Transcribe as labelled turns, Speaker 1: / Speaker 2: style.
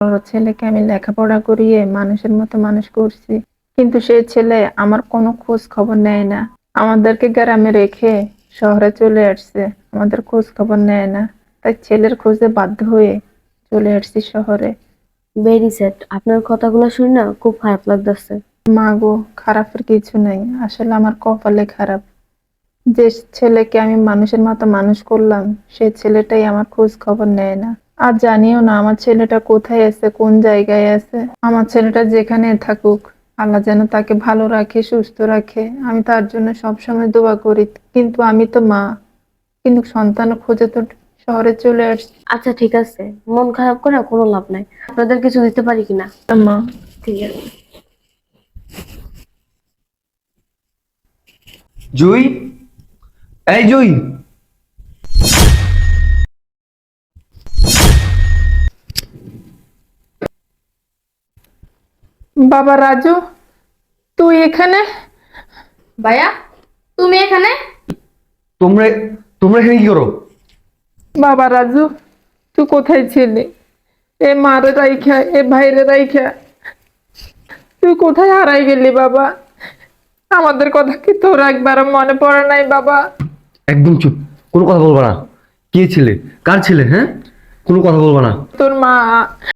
Speaker 1: বড় ছেলেকে আমি লেখাপড়া করিয়ে মানুষের মতো মানুষ করছি, কিন্তু সেই ছেলে আমার কোনো খোঁজ খবর নেয় না। আমাদেরকে গ্রামে রেখে শহরে চলে আসছে, আমাদের খোঁজ খবর নেয় না। তাই ছেলের খোঁজে বাধ্য হয়ে চলে আসছি শহরে।
Speaker 2: Very sad. আপনার কথাগুলো শুনে না খুব খারাপ লাগতেছে।
Speaker 1: মা গো, খারাপের কিছু নাই, আসলে আমার কপালে খারাপ। যে ছেলেকে আমি মানুষের মতো মানুষ করলাম, সেই ছেলেটাই আমার খোঁজ খবর নেয় না। আর জানিও না আমার ছেলেটা কোথায় আছে, কোন জায়গায় আছে। আমার ছেলেটা যেখানে থাকুক, আল্লাহ যেন তাকে ভালো রাখে, সুস্থ রাখে। আমি তার জন্য সবসময় দোয়া করি, কিন্তু আমি তো মা, কিন্তু সন্তান খোঁজে তো শহরে চলে আসছি।
Speaker 2: আচ্ছা ঠিক আছে, মন খারাপ করে কোনো লাভ নাই। আপনাদের কিছু দিতে পারি কিনা?
Speaker 1: মা,
Speaker 2: ঠিক আছে।
Speaker 3: জুই, এই জুই।
Speaker 1: বাবা রাজু, তুই এখানে?
Speaker 4: ভাইয়া, তুমি এখানে?
Speaker 3: তোমরা তোমরা এখানে কি করো?
Speaker 1: বাবা রাজু, তুই কোথায় ছিলি? এ মারে রাইখা, এ ভাইরে রাইখা তুই কোথায় হারাই গেলি বাবা? আমাদের কথা কি তোর একবারও মনে পড়ে নাই বাবা?
Speaker 3: একদম চুপ, কোনো কথা বলবা না। কে ছেলে, কার ছেলে? হ্যাঁ, কোনো কথা বলবা না।
Speaker 1: তোর মা